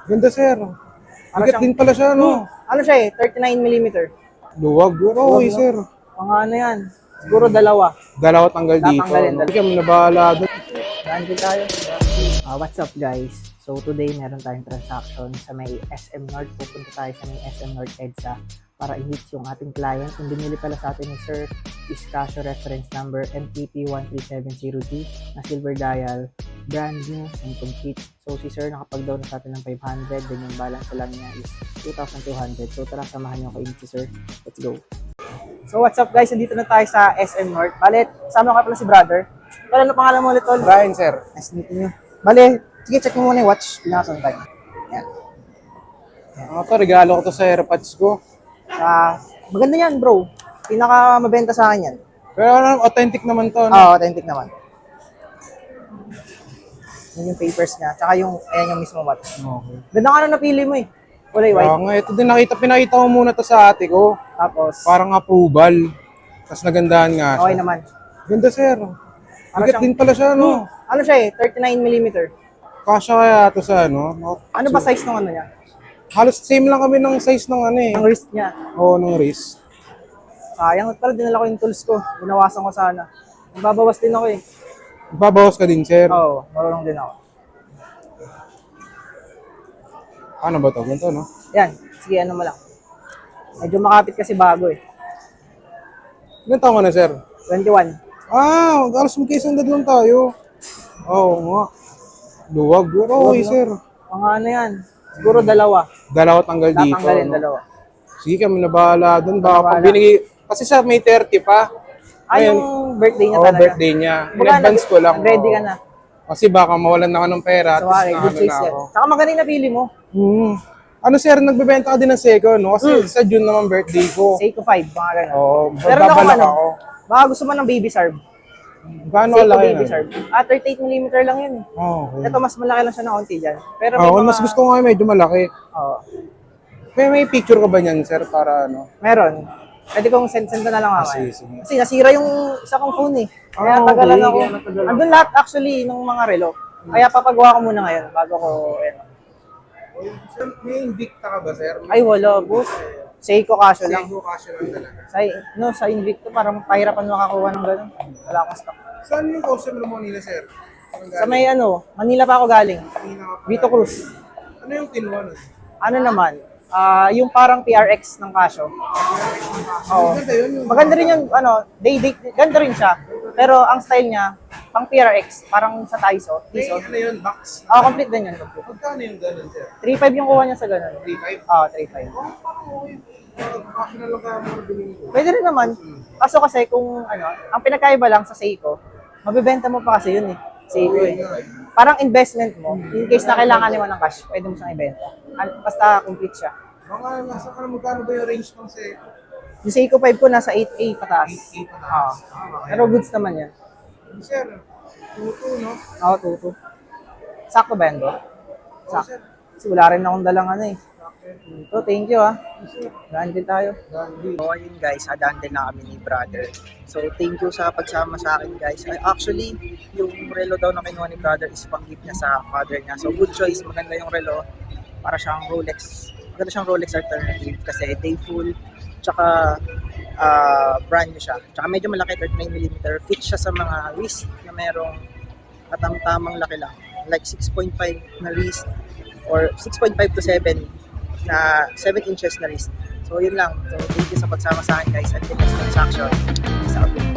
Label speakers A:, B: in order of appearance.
A: Ganda, sir.
B: Para
A: Bigat din pala siya, no?
B: Ano siya eh, 39mm.
A: Luwag. Pero okay,
B: no?
A: sir.
B: Mga ano yan, siguro dalawa.
A: Dalawa tanggal dito.
B: Tatanggalin,
A: No?
B: dalawa.
A: Hindi kami nabahala doon.
B: Daan din tayo. What's up guys? So today meron tayong transaction sa may SM North. Pupunta tayo sa may SM North EDSA para i-hit yung ating client. Kung binili pala sa atin ni Sir is Casio reference number MTP1370D na silver dial, brand new and complete. So si Sir nakapag-down na sa atin ng 500, then yung balance lang niya is 2,200. So tara, samahan niyo ako si Sir. Let's go. So what's up guys? Nandito na tayo sa SM North. Balit, sama ka pala si brother. Pero ano pangalan mo ulit, Tol?
A: Brian, sir.
B: Nice meeting you. Bale, sige, check mo muna yung watch. Pinakasan tayo. Yan.
A: To, regalo ko to sa AirPods ko.
B: Maganda yan, bro. Pinaka mabenta sa akin yan.
A: Pero ano, authentic naman to. No?
B: Authentic naman. Yun yung papers niya. Tsaka yung, ayan yung mismo watch.
A: Okay.
B: Ganda nga na napili mo eh. Kulay white.
A: Nga, ito din pinakita ko muna to sa ate ko.
B: Tapos,
A: Parang approval. Tapos nagandahan nga siya.
B: okay naman.
A: Ganda, sir.
B: Para
A: Bigat
B: siyang-
A: din pala siya, no?
B: Ano siya eh, 39mm.
A: Kasya kaya to sa ano?
B: Ano ba size ng ano niya?
A: Halos same lang kami ng size ng ano eh.
B: Ang wrist niya.
A: Oo, ng wrist.
B: Sayang, at pala dinala ko yung tools ko. Binawasan ko sana. Magbabawas din ako eh.
A: Babawas ka din, sir.
B: Oo, marunong din ako.
A: Ano ba to? Ganito, no?
B: Yan, sige, ano mo lang. Medyo makapit kasi bago eh.
A: Ilan taon ka na, sir?
B: 21.
A: Halos magkaisang dad lang tayo. Oo nga. Luwag. Pero okay,
B: no?
A: sir.
B: Mga ano yan, siguro dalawa.
A: Dalawa tanggal dito.
B: Tatanggalin,
A: no?
B: dalawa.
A: Sige, kami nabahala doon. Baka
B: Nabahala.
A: pag binigay... Kasi sa May 30 pa.
B: Yung birthday niya
A: Oo,
B: talaga.
A: birthday niya. In
B: Baka
A: advance ko lang.
B: Ready
A: oo.
B: ka na.
A: Kasi baka mawalan na ako ng pera.
B: So,
A: Tapos
B: okay, good choice yan. Saka maganda yung napili mo.
A: Ano, sir, nagbebenta ka din ng second, no? Kasi sa June naman birthday ko.
B: Seiko 5, mga ganun.
A: Oo,
B: Meron akong
A: babalak
B: ano,
A: ako.
B: baka gusto mo ng baby sarb.
A: Gaano
B: Seiko
A: kalaki
B: baby
A: na?
B: sarb. 38mm lang yun eh.
A: Okay.
B: Ito, mas malaki lang siya na konti dyan. Pero may
A: Oo,
B: mga...
A: mas gusto ko nga medyo malaki.
B: Oo.
A: May picture ka ba niyan, sir, para ano?
B: Meron. Pwede kong send ko na lang ako.
A: Sige.
B: Kasi nasira yung isa kong phone eh. Kaya
A: okay.
B: tagalan ako.
A: Kaya natagalan.
B: Andun lahat actually ng mga relo. Kaya papagawa ko muna ngayon bago ko...
A: Sir, may Invicta ka ba, sir?
B: Ay wala, boss. Seiko Casio lang.
A: Seiko Casio lang talaga.
B: Sa Invicto parang pahirapan makakuha ng gano'n. Wala akong stock.
A: Saan yung customer mo nila, sir?
B: Sa may Manila pa ako galing. Vito Cruz.
A: Ano yung kinuha nun?
B: Ano naman? Yung parang PRX ng Casio. Oo.
A: Maganda yun yung...
B: Maganda rin yung, ganda rin siya. Pero ang style niya, pang PRX, parang sa Taiso.
A: May ano yun, box?
B: Complete din yun.
A: Magkano yung ganun, sir?
B: 3.5 yung kuha niya sa ganun.
A: 3.5?
B: 3.5.
A: Parang okay. Casio na lang kaya mo bilhin ko.
B: Pwede rin naman. Kaso kasi kung ang pinagkaiba lang sa Seiko, mabibenta mo pa kasi yun eh. Seiko eh. Parang investment mo, in case na kailangan mo ng cash, pwede mo siyang ibenta. Basta complete siya.
A: Mga nasa magkano ba yung range ng Seiko?
B: Yung Seiko 5 ko nasa 8A pataas.
A: 8 pataas.
B: Pero goods naman yan.
A: Sir, tuto, no?
B: Oo, tuto. Sakto ba yan, bro? Sakto. Kasi wala rin akong dalang eh. So, thank you Daan din tayo. So, ayun guys, hadaan din na kami ni brother. So, thank you sa pagsama sa akin guys. Actually, yung relo daw na kinuha ni brother is pang-gift niya sa father niya. So, good choice. Maganda yung relo. Para siyang Rolex. Maganda siyang Rolex alternative kasi day full. Tsaka, brand new siya. Tsaka medyo malaki, 39mm. Fit siya sa mga wrist na merong tamang laki lang. Like 6.5 na wrist or 6.5 to 7 na 7 inches na wrist. So yun lang. So thank you sa pagsama sa akin guys. Until next transaction. Peace out.